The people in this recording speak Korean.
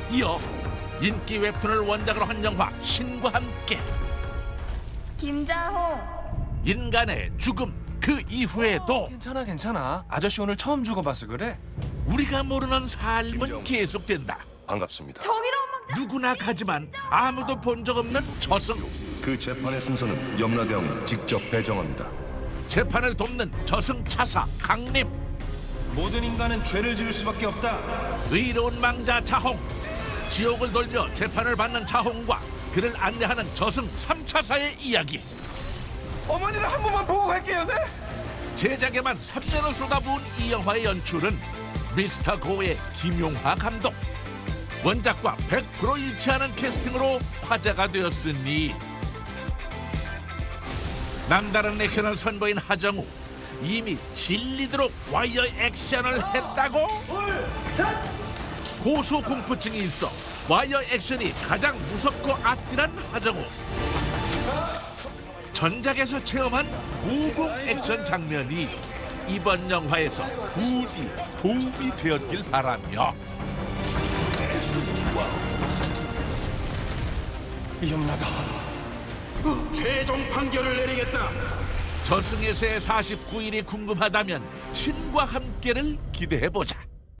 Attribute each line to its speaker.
Speaker 1: 이어 인기 웹툰을 원작으로 한 영화 신과 함께
Speaker 2: 김자호.
Speaker 1: 인간의 죽음 그 이후에도
Speaker 3: 괜찮아. 아저씨 오늘 처음 죽어봐서 그래.
Speaker 1: 우리가 모르는 삶은 계속된다.
Speaker 4: 반갑습니다.
Speaker 2: 정의로운 망자.
Speaker 1: 누구나 가지만 아무도 본 적 없는 저승.
Speaker 4: 그 재판의 순서는 염라대왕이 직접 배정합니다.
Speaker 1: 재판을 돕는 저승 차사 강림.
Speaker 3: 모든 인간은 죄를 지을 수밖에 없다.
Speaker 1: 의로운 망자 자홍. 지옥을 돌며 재판을 받는 자홍과 그를 안내하는 저승 3차사의 이야기.
Speaker 3: 어머니를 한 번만 보고 갈게요, 네?
Speaker 1: 제작에만 3년을 쏟아부은 이 영화의 연출은 미스터 고의 김용하 감독. 원작과 100% 일치하는 캐스팅으로 화제가 되었으니 남다른 액션을 선보인 하정우. 이미 질리도록 와이어 액션을 했다고? 고소 공포증이 있어 와이어 액션이 가장 무섭고 아찔한 하정우. 전작에서 체험한 고공 액션 장면이 이번 영화에서 부디 도움이 되었길 바라며
Speaker 3: 염라다.
Speaker 5: 최종 판결을 내리겠다.
Speaker 1: 저승에서의 49일이 궁금하다면 신과 함께를 기대해보자.